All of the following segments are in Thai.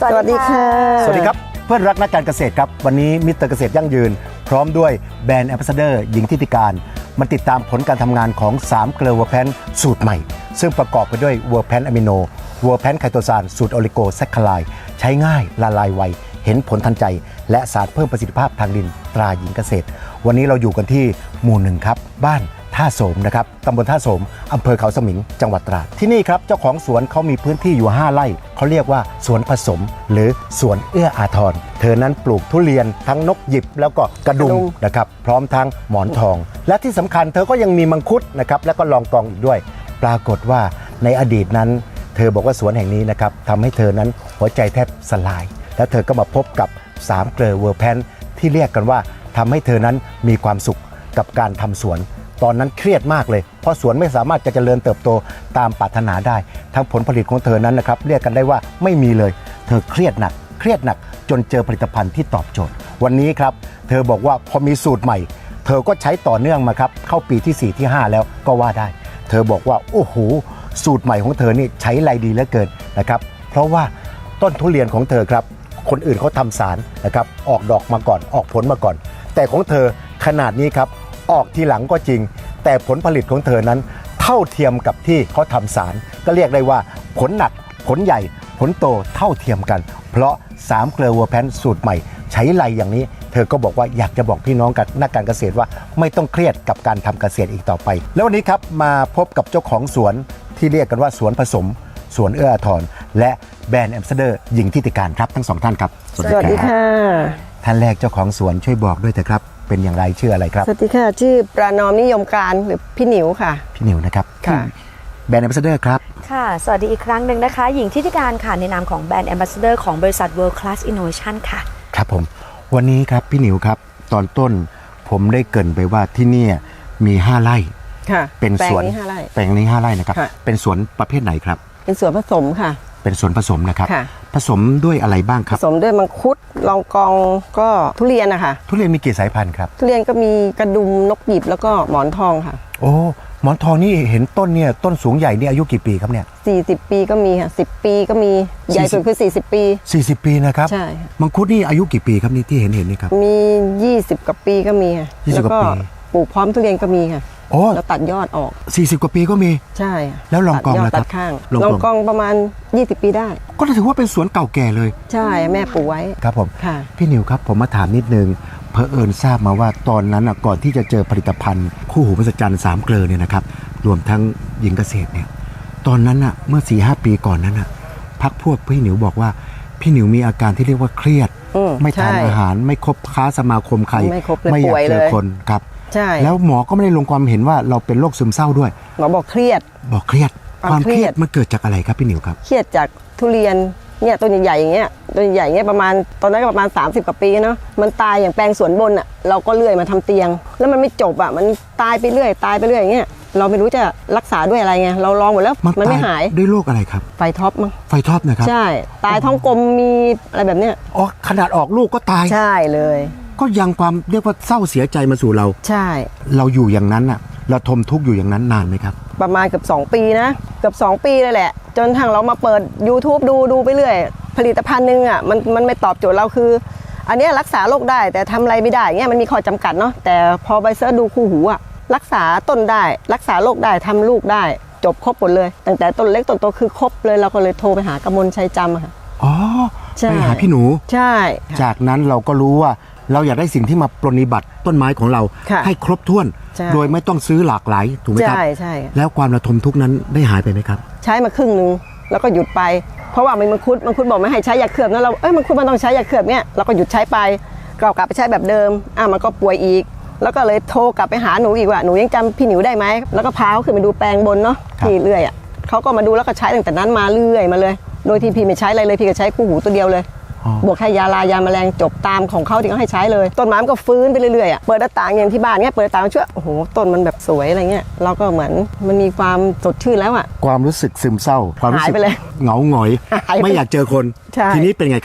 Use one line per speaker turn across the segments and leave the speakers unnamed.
สวัสดีค่ะ
สวัสดีครับเพื่อนรักนักการเกษตรครับวันนี้มิสเตอร์เกษตรยั่งยืนพร้อมด้วยแบรนด์แอมบาสเดอร์หญิงทิติการมาติดตามผลการทำงานของ3เกลือเวอร์แพนสูตรใหม่ซึ่งประกอบไปด้วยเวอร์แพนอะมิโนเวอร์แพนไคโตซานสูตรโอลิโกแซคคาไลใช้ง่ายละลายไวเห็นผลทันใจและสารเพิ่มประสิทธิภาพทางดินตราหญิงเกษตรวันนี้เราอยู่กันที่หมู่1ครับบ้านท่าโสมนะครับตำบลท่าโสมอำเภอเขาสมิงจังหวัดตราดที่นี่ครับเจ้าของสวนเขามีพื้นที่อยู่5 ไร่เขาเรียกว่าสวนผสมหรือสวนเอื้ออาทรเธอนั้นปลูกทุเรียนทั้งนกหยิบแล้วก็กระดุมนะครับพร้อมทั้งหมอนทองและที่สำคัญเธอก็ยังมีมังคุดนะครับแล้วก็ลองกองอีกด้วยปรากฏว่าในอดีตนั้นเธอบอกว่าสวนแห่งนี้นะครับทำให้เธอนั้นหัวใจแทบสลายแล้วเธอก็มาพบกับ3เกลือเวอร์แพนที่เรียกกันว่าทำให้เธอนั้นมีความสุขกับการทำสวนตอนนั้นเครียดมากเลยเพราะสวนไม่สามารถจะเจริญเติบโตตามปรารถนาได้ทั้งผลผลิตของเธอนั้นนะครับเรียกกันได้ว่าไม่มีเลยเธอเครียดหนักจนเจอผลิตภัณฑ์ที่ตอบโจทย์วันนี้ครับเธอบอกว่าพอมีสูตรใหม่เธอก็ใช้ต่อเนื่องมาครับเข้าปีที่4ที่5แล้วก็ว่าได้เธอบอกว่าโอ้โหสูตรใหม่ของเธอนี่ใช้ไรดีเหลือเกินนะครับเพราะว่าต้นทุเรียนของเธอครับคนอื่นเขาทำสารนะครับออกดอกมาก่อนออกผลมาก่อนแต่ของเธอขนาดนี้ครับออกทีหลังก็จริงแต่ผลผลิตของเธอนั้นเท่าเทียมกับที่เขาทำสารก็เรียกได้ว่าผลหนักผลใหญ่ผลโตเท่าเทียมกันเพราะ3เกลือเวอร์แพนสูตรใหม่ใช้ไรอย่างนี้เธอก็บอกว่าอยากจะบอกพี่น้องกับนักการเกษตรว่าไม่ต้องเครียดกับการทำเกษตรอีกต่อไปแล้ววันนี้ครับมาพบกับเจ้าของสวนที่เรียกกันว่าสวนผสมสวนเอื้ออาทรและแบรนด์แอมบาสเดอร์หญิงทิติการครับทั้ง2ท่านครับ
สวัสดีค่ะ
ท่านแรกเจ้าของสวนช่วยบอกด้วยเถอะครับเป็นอย่างไรชื่ออะไรครับ
สวัสดีค่ะชื่อประนอมนิยมการหรือพี่หนิวค่ะ
พี่หนิวนะครับ
ค่ะ
แบรนด์แอมบาสเดอร์ครับ
ค่ะสวัสดีอีกครั้งหนึ่งนะคะหญิงทิติการค่ะในนามของแบรนด์แอมบาสเดอร์ของบริษัท World Class Innovation ค่ะ
ครับผมวันนี้ครับพี่หนิวครับตอนต้นผมได้เกริ่นไปว่าที่นี่มี5 ไร่
ค่ะ
เป็นสวนแปลงนี้5 ไร่นะครับเป็นสวนประเภทไหนครับ
เป็นสวนผสมค่ะ
เป็นสวนผสมนะครับผสมด้วยอะไรบ้างครับ
ผสมด้วยมังคุดลองกองก็ทุเรียนนะคะ
ทุเรียนมีกี่สายพันธุ์ครับ
ทุเรียนก็มีกระดุมนกหยิบแล้วก็หมอนทองค่ะ
โอ้หมอนทองนี่เห็นต้นเนี่ยต้นสูงใหญ่นี่อายุกี่ปีครับเนี่ย
40 ปีก็มีค่ะ10 ปีก็มีใหญ่สุดคือ40 ปี
40 ปีนะครับ
ใช่
มังคุดนี่อายุกี่ปีครับนี่ที่เห็นนี่ครับ
มี20 กว่าปีก็มีค่ะ
แล้วก็
ปลูกพร้อมทุเรียนก็มีค่ะแล้วตัดยอดออก
40 กว่าปีก็มี
ใช่
แล้วลองกองล่ะครับ
ลองกองประมาณ20 ปีได้
ก็ถือว่าเป็นสวนเก่าแก่เลย
ใช่แม่ปลูกไว้
ครับผมพี่หนิวครับผมมาถามนิดนึงเผอิญทราบมาว่าตอนนั้นก่อนที่จะเจอผลิตภัณฑ์คู่หูมหัศจรรย์3เกลือเนี่ยนะครับรวมทั้งหญิงเกษตรเนี่ยตอนนั้นเมื่อ 4-5 ปีก่อนนั้นพักพวกพี่หนิวบอกว่าพี่หนิวมีอาการที่เรียกว่าเครียดไม่ทานอาหารไม่คบค้าสมาคมใครไม่อยากเจอคนครับแล้วหมอก็ไม่ได้ลงความเห็นว่าเราเป็นโรคซึมเศร้าด้วย
หมอบอกเครียด
ความเครียดมันเกิดจากอะไรครับพี่หนิวครับ
เครียดจากทุเรียนเนี่ยต้นใหญ่ๆอย่างเงี้ยต้นใหญ่ๆเงี้ยประมาณตอนนั้นก็ประมาณ30 กว่าปีเนาะมันตายอย่างแปลงสวนบนเราก็เลื่อยมาทำเตียงแล้วมันไม่จบมันตายไปเรื่อยอย่างเงี้ยเราไม่รู้จะรักษาด้วยอะไรไงเราลองหมดแล้วมันไม่หาย
ด้วยโรคอะไรครับ
ไฟท็อปมั้ง
ไฟท็อปนะครับ
ใช่ตายท้องกลมมีอะไรแบบเนี้ย
อ๋อขนาดออกลูกก็ตาย
ใช่เลย
ก็ยังความเรียกว่าเศร้าเสียใจมาสู่เรา
ใช่
เราอยู่อย่างนั้นเราทนทุกข์อยู่อย่างนั้นนานไหมครับ
ประมาณเกือบ2 ปีนะเกือบ2 ปีเลยแหละจนทางเรามาเปิด YouTube ดูไปเรื่อยผลิตภัณฑ์นึงมันไม่ตอบโจทย์เราคืออันนี้รักษาโรคได้แต่ทำอะไรไม่ได้เงี้ยมันมีข้อจำกัดเนาะแต่พอไปเสิร์ชดูคู่หูรักษาต้นได้รักษาโรคได้ทำลูกได้จบครบหมดเลยตั้งแต่ต้นเล็กต้นโตคือครบเลยเราก็เลยโทรไปหากมลชัยจำค่ะ
อ๋อไปหาพี่หนู
ใช่
จากนั้นเราก็รู้ว่าเราอยากได้สิ่งที่มาปรนนิบัติต้นไม้ของเราให้ครบถ้วนโดยไม่ต้องซื้อหลากหลายถูกไหมครับ
ใช่
แล้วความระทมทุกข์นั้นได้หายไปไหมครับ
ใช้มาครึ่งนึงแล้วก็หยุดไปเพราะว่ามังคุดบอกไม่ให้ใช้ยาเคลือบนะเรามังคุดมันต้องใช้ยาเคลือบเนี่ยเราก็หยุดใช้ไปกลับไปใช้แบบเดิมมันก็ป่วยอีกแล้วก็เลยโทรกลับไปหาหนูอีกว่าหนูยังจำพี่หนิวได้ไหมแล้วก็พาเขาขึ้นไปดูแปลงบนเนาะที่เรื่อยเขาก็มาดูแล้วก็ใช้ตั้งแต่นั้นมาเรื่อยมาเลยโดยที่พี่ไม่ใช้อะไรเลยพี่ก็ใช้คู่หูตัวเดียวเลยบวกแค่ยาแมลงจบตามของเขาที่เขาให้ใช้เลยต้นไม้มันก็ฟื้นไปเรื่อยๆเปิดหน้าต่างอย่างที่บ้านเนี่ยเปิดหน้าต่างช่วยโอ้โหต้นมันแบบสวยอะไรเงี้ยเราก็เหมือนมันมีความสดชื่นแล้ว
ความรู้สึกซึมเศร้าความรู้สึกเหงาหงอยไม่อยากเจอคนทีนี้เป็นไงครับ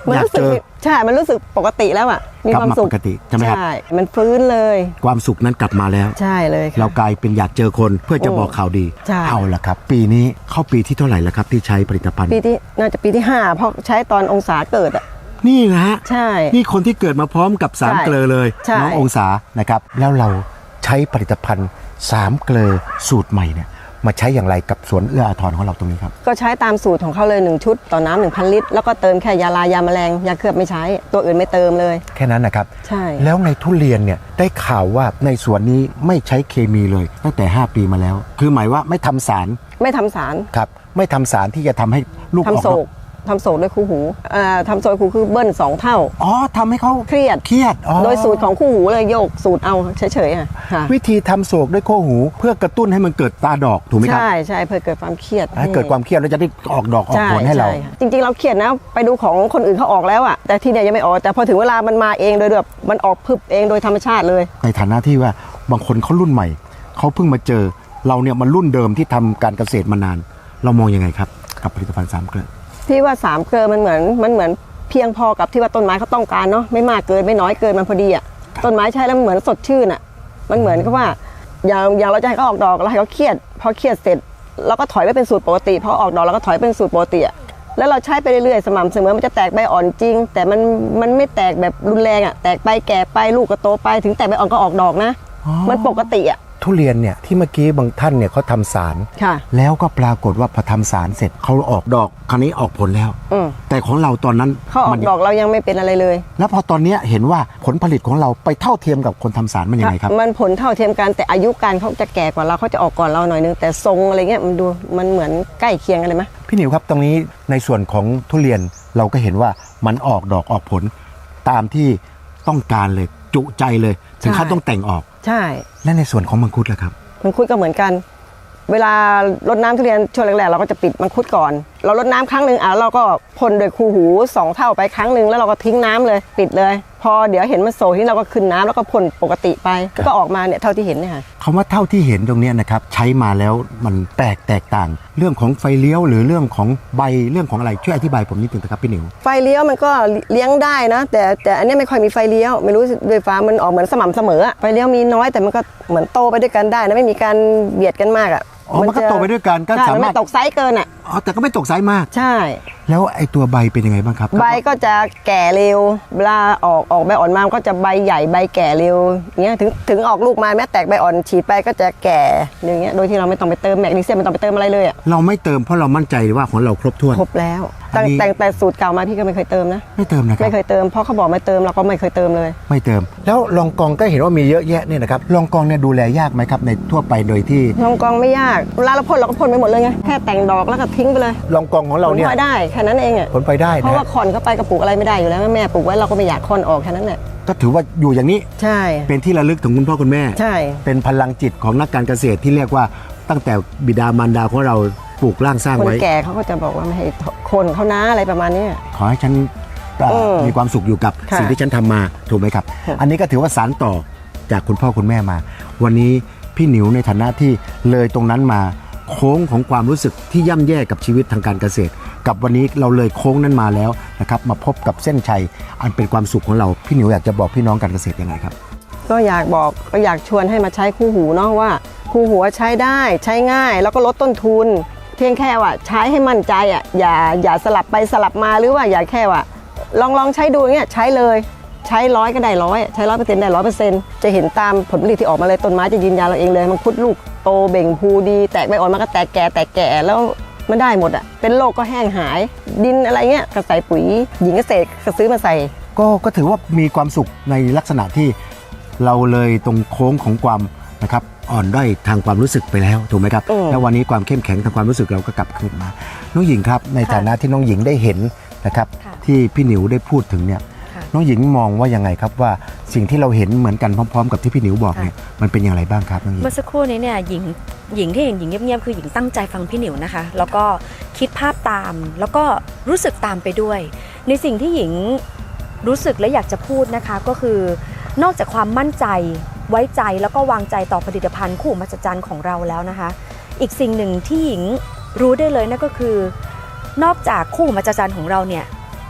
มัน
อยาก
รู้สึ
เจ
ก
อ
ใช่มันรู้สึกปกติแล้วอ่ะมี
กลับ
ความ
มา
สุ
ป
ข
กติใช่ไหมครับ
ใช่มันฟื้นเลย
ความสุขนั้นกลับมาแล้ว
ใช่เลยค่ะ
เรากลายเป็นอยากเจอคนเพื่อจะบอกข่าวดี
ใช่
เอาละครับ ปีนี้เข้าปีที่เท่าไหร่แล้วครับที่ใช้ผลิตภัณฑ์
ปีที่น่าจะปีที่ 5 เพราะใช้ตอนองศาเกิดอ่ะ
นี่นะฮะ
ใช่
นี่คนที่เกิดมาพร้อมกับสาม
ใช่
เกลอเลย
ใช่
น้ององศานะครับแล้วเราใช้ผลิตภัณฑ์สามเกลอสูตรใหม่เนี่ยมาใช้อย่างไรกับสวนเอื้ออาทรของเราตรงนี้ครับ
ก็ใช้ตามสูตรของเขาเลย 1 ชุดต่อน้ำ 1,000 ลิตร แล้วก็เติมแค่ยาลายาแมลงยาเคลือบไม่ใช้ตัวอื่นไม่เติมเลย
แค่นั้นนะครับ
ใช่
แล้วในทุเรียนเนี่ยได้ข่าวว่าในสวนนี้ไม่ใช้เคมีเลยตั้งแต่ 5 ปีมาแล้ว คือหมายว่าไม่ทำสาร
ไม่ทำสาร
ครับไม่ทำสารที่จะทำให้ลูกอ
ทำ
อก
โศ
ดอก
กทำโศกด้วยคู่หูทำโศกคู่คือเบิ้ล2 เท่า
อ๋อทำให้เขา
เครียด
เครียดอ๋อ
โดยสูตรของคู่หูเลยโยกสูตรเอาเฉยๆค่ะ
วิธีทำโศกด้วยโคหูเพื่อกระตุ้นให้มันเกิดตาดอกถูกไหมครับ
ใช่ใช่เพื่อเกิดความเครียด
ให้เกิดความเครียดแล้วจะได้ออกดอกออกผลให้เรา
ช่ค่ะจริงๆเราเครียดนะไปดูของคนอื่นเขาออกแล้วอะแต่ที่เนี่ยยังไม่ออกแต่พอถึงเวลามันมาเองโดยแบบมันออกพึบเองโดยธรรมชาติเลย
ในฐานะที่ว่าบางคนเขารุ่นใหม่เขาเพิ่งมาเจอเราเนี่ยมันรุ่นเดิมที่ทำการเกษตรมานาน เรามองยังไงครับกับผลิตภัณฑ์สามเกลือ
ที่ว่า3 เกลือมันเหมือนเพียงพอกับที่ว่าต้นไม้เขาต้องการเนาะไม่มากเกินไม่น้อยเกินมันพอดีอะต้นไม้ใช้แล้วมันเหมือนสดชื่นอะมันเหมือนกับว่าอย่างเราจะให้เขาออกดอกเราให้เขาเครียดพอเครียดเสร็จเราก็ถอยไปเป็นสูตรปกติพอออกดอกเราก็ถอยเป็นสูตรปกติอะแล้วเราใช้ไปเรื่อยๆสม่ำเสมอมันจะแตกใบอ่อนจริง แต่มันไม่แตกแบบรุนแรงอะแตกไปแก่ไปลูกก็โตไปถึงแตกใบอ่อนก็ออกดอกนะ มันปกติอะ
ทุเรียนเนี่ยที่เมื่อกี้บางท่านเนี่ยเขาทำสาร
ค่ะ
แล้วก็ปรากฏว่าพอทำสารเสร็จเขาออกดอกคราวนี้ออกผลแล้ว
อืม
แต่ของเราตอนนั้น
เขาออกดอกเรายังไม่เป็นอะไรเลย
แล้วพอตอนเนี้ยเห็นว่าผลผลิตของเราไปเท่าเทียมกับคนทำสารมันยังไงครับ
มันผลเท่าเทียมกันแต่อายุการเขาจะแก่กว่าเราเขาจะออกก่อนเราหน่อยนึงแต่ทรงอะไรเงี้ยมันเหมือนใกล้เคียงกันเลยไหม
พี่หนิวครับตรงนี้ในส่วนของทุเรียนเราก็เห็นว่ามันออกดอกออกผลตามที่ต้องการเลยจุใจเลยถึงขั้นต้องแต่งออก
ใช่
และในส่วนของมังคุดล่ะครับ
มังคุดก็เหมือนกัน เวลารดน้ำทุเรียนช่วงแรกๆเราก็จะปิดมังคุดก่อน เรารดน้ำครั้งหนึ่งเราก็พ่นโดวยคูหู2 เท่าไปครั้งหนึ่งแล้วเราก็ทิ้งน้ำเลยปิดเลย พอเดี๋ยวเห็นมันโซที่เราก็ขึ้นน้ำแล้วก็พ่นปกติไปก็ออกมาเนี่ยเท่าที่เห็นเนี่ยค่ะ
คำว่าเท่าที่เห็นตรงเนี้ยนะครับใช้มาแล้วมันแตกต่าง เรื่องของไฟเลี้ยวหรือเรื่องของใบเรื่องของอะไรช่วยอธิบายผมนิดนึงนะครับพี่หนิว
ไฟเลี้ยวมันก็เลี้ยงได้นะ แต่อันนี้ไม่ค่อยมีไฟเลี้ยวไม่รู้ด้วยฟ้ามันออกเหมือนสม่ำเสมออะไฟเลี้ยวมีน้อยแต่มันก็เหมือนโตไปด้วยกันได้นะไม่มีการเบียดกันมากอ่ะ
อ๋อมันก็โตไปด้วยกันก็
ใช่
สามารถ
นไม่ตกไซส์เกินอ่ะ
อ๋อแต่ก็ไม่ตกไซส์มาก
ใช่
แล้วไอ้ตัวใบเป็นยังไงบ้างครับ
ใบก็จะแก่เร็วเวลาออกใบอ่อนมามันก็จะใบใหญ่ใบแก่เร็วเงี้ยถึงออกลูกมาแม้แตกใบอ่อนฉีดไปก็จะแก่อย่างเงี้ยโดยที่เราไม่ต้องไปเติมแมกนีเซียมไม่ต้องไปเติมอะไรเลยอ่ะ
เราไม่เติมเพราะเรามั่นใจว่าของเราครบถ้วน
ครบแล้ว
อันนี้
แต่สูตรเก่ามาพี่ก็ไม่เคยเติมนะ
ไม่เติมนะครั
ไม่
บ
เคยเติมเพราะเขาบอกไม่เติมเราก็ไม่เคยเติมเลย
ไม่เติม แล้วลองกองก็เห็นว่ามีเยอะแยะเนี่ยนะครับลองกองเนี่ยดูแลยากไหมครับในทั่วไปโดยที่
ลองกองไม่ยากเวลาเราพ่นเราก็พ่นไปหมดเลยไงแค่แต่งดอกแล้วก็ทิ้งไปเลย
ลองกองของเรา
ผล
เนี่ย
พลอยได้แค่นั้นเองอ่ะ
ผลไปได้
เพ
นะ
ราะ
ฮะ
ว่าคอนเข้าไปกระปุกอะไรไม่ได้อยู่แล้วแม่ปลูกไว้เราก็ไม่อยากคอนออกแค่นั้นแหละ
ก็ถือว่าอยู่อย่างนี้
ใช่
เป็นที่ระลึกถึงคุณพ่อคุณแม่
ใช่
เป็นพลังจิตของนักการเกษตรที่เรียกว่าตั้งแต่บิดามารดาของเราปลูกร่างสร้าง
คน
ไว้
แก่เขาก็จะบอกว่าไม่ให้คนเขานะอะไรประมาณเนี้ย
ขอให้ฉันมีความสุขอยู่กับ
ค่ะ
สิ่งที่ฉันทำมาถูกไหมครับ
ค่ะ
อันนี้ก็ถือว่าสารต่อจากคุณพ่อคุณแม่มา วันนี้พี่หนิวในฐานะที่เลยตรงนั้นมาโค้งของความรู้สึกที่ย่ำแย่กับชีวิตทางการเกษตร กับวันนี้เราเลยโค้งนั้นมาแล้วนะครับมาพบกับเส้นชัยอันเป็นความสุขของเราพี่หนิวอยากจะบอกพี่น้องการเกษตรยังไงครับ
ก็อยากบอกก็อยากชวนให้มาใช้คู่หูเนาะว่าคู่หูใช้ได้ใช้ง่าย แล้วก็ลดต้นทุน เพียงแค่ว่าใช้ให้มั่นใจอ่ะอย่าสลับไปสลับมาหรือว่าอย่าแค่ว่าลองใช้ดูอย่างเงี้ยใช้เลยใช้100ก็ได้100ใช้100%ได้100%จะเห็นตามผลผลิตที่ออกมาเลยต้นไม้จะยืนยันเราเองเลยมันคุดลูกโตเบ่งพูดีแตกใบอ่อนมันก็แตกแก่แล้วมันได้หมดอ่ะเป็นโรคก็แห้งหายดินอะไรเงี้ยก็ใส่ปุ๋ยหญิงเกษตรก็ซื้อมาใส่
ก็ถือว่ามีความสุขในลักษณะที่เราเลยตรงโค้งของความนะครับอ่อนด้อยทางความรู้สึกไปแล้วถูกไหมครับ แล้ววันนี้ความเข้มแข็งทางความรู้สึกเราก็กลับขึ้นมาน้องหญิงครับในฐานะที่น้องหญิงได้เห็นนะครับ
ค่ะ
ที่พี่หนิวได้พูดถึงเนี่ย
ค่ะ
น้องหญิงมองว่ายังไงครับว่าสิ่งที่เราเห็นเหมือนกันพร้อมๆ กับที่พี่หนิวบอกเนี่ยมันเป็นอย่างไรบ้างครับน้องหญิง
เมื่อสักครู่นี้เนี่ยหญิงที่เห็นหญิงเงียบๆคือหญิงตั้งใจฟังพี่หนิวนะคะ แล้วก็คิดภาพตามแล้วก็รู้สึกตามไปด้วย ในสิ่งที่หญิงรู้สึกและอยากจะพูดนะคะก็คือนอกจากความมั่นใจไว้ใจแล้วก็วางใจต่อผลิตภัณฑ์คู่หูมหัศจรรย์ของเราแล้วนะคะ อีกสิ่งหนึ่งที่หญิงรู้ได้เลยนั่นก็คือนอกจากคู่หูมหัศจรรย์ของเราเนี่ย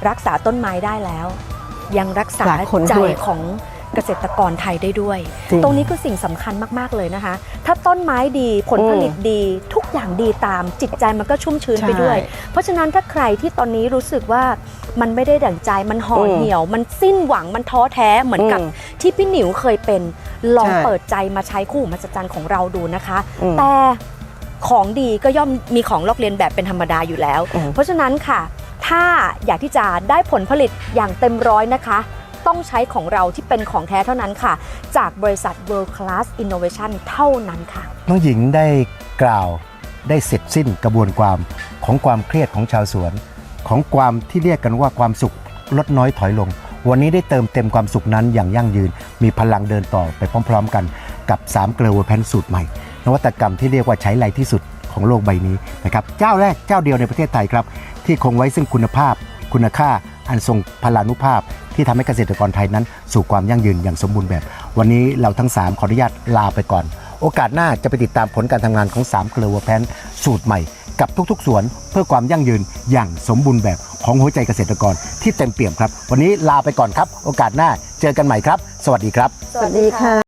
รักษาต้นไม้ได้แล้ว ยังรักษา
จากคน
ใจ
ด้วย
ของเกษตรกรไทยได้ด้วย
จริง
ตรงนี้คือสิ่งสำคัญมากๆเลยนะคะ ถ้าต้นไม้ดีผลผลิตดีทุกอย่างดีตามจิตใจมันก็ชุ่มชื้นไปด้วย เพราะฉะนั้นถ้าใครที่ตอนนี้รู้สึกว่ามันไม่ได้ดั่งใจมันห่อเหี่ยว มันสิ้นหวังมันท้อแท้เหมือนกับที่พี่หนิวเคยเป็นลอง
ใช่
เปิดใจมาใช้คู่หูมหัศจรรย์ของเราดูนะคะ
อืม
แต่ของดีก็ย่อมมีของลอกเลียนแบบเป็นธรรมดาอยู่แล้ว เพราะฉะนั้นค่ะ ถ้าอยากที่จะได้ผลผลิตอย่างเต็มร้อยนะคะ ต้องใช้ของเราที่เป็นของแท้เท่านั้นค่ะ จากบริษัท World Class Innovation เท่านั้นค่ะ
น้องหญิงได้กล่าวได้เสร็จสิ้นกระบวนความของความเครียดของชาวสวน ของความที่เรียกกันว่าความสุขลดน้อยถอยลง วันนี้ได้เติมเต็มความสุขนั้นอย่างยั่งยืน มีพลังเดินต่อไปพร้อมๆกันกับ3เกลือเวอร์แพนสูตรใหม่ นวัตกรรมที่เรียกว่าใช้ไรที่สุดของโลกใบนี้นะครับเจ้าแรกเจ้าเดียวในประเทศไทยครับที่คงไว้ซึ่งคุณภาพคุณค่าอันทรงพลานุภาพที่ทำให้เกษตรกรไทยนั้นสู่ความยั่งยืนอย่างสมบูรณ์แบบ วันนี้เราทั้ง3ขออนุญาตลาไปก่อน โอกาสหน้าจะไปติดตามผลการทำงานของ3เกลือเวอร์แพนสูตรใหม่กับทุกๆสวนเพื่อความยั่งยืนอย่างสมบูรณ์แบบของหัวใจเกษตรกรที่เต็มเปี่ยมครับวันนี้ลาไปก่อนครับโอกาสหน้าเจอกันใหม่ครับสวัสดีครับ
สวัสดีค่ะ